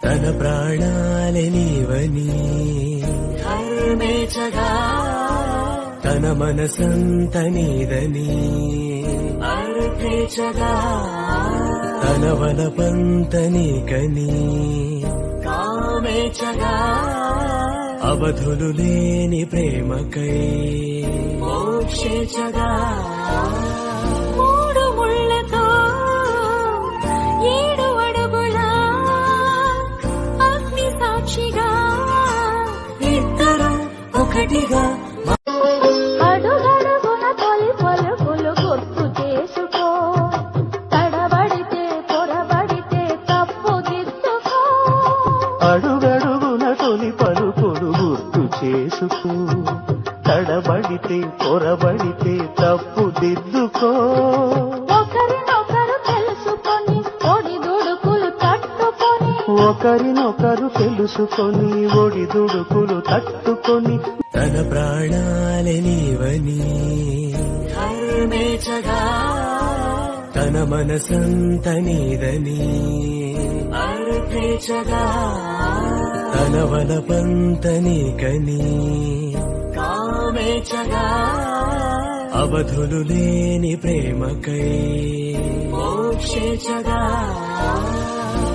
తన ప్రాణాలే నీవని ధర్మేచగా తన మనసంత నీదని అర్థేచగా తన వలపంత నీకని కామేచగా అవధులు లేని ప్రేమకై మోక్షేచగా మూడు ముళ్ళతో 7 అడుగుల అగ్ని సాక్షిగా ఇద్దరు ఒకటిగా అడుగడుగున తొలి పలుకులు గుర్తు చేసుకో తడబడితే పొరబడితే తప్పు దిద్దుకో అడుగడుగున తొలి పలుకులు గుర్తు చేసుకో తడబడితే పొరబడితే తప్పు దిద్దుకో ఒకరినొకరు తెలుసుకొని ఒడిదుడుకులు తట్టుకొని ఒకరినొకరు తెలుసుకొని ఒడిదుడుకులు తట్టుకొని తన ప్రాణాలే నీవని ధర్మేచగా తన మనసంత నీదని అర్థేచగా తన వలపంత నీకని కామేచగా అవధులు లేని ప్రేమకై మోక్షేచగా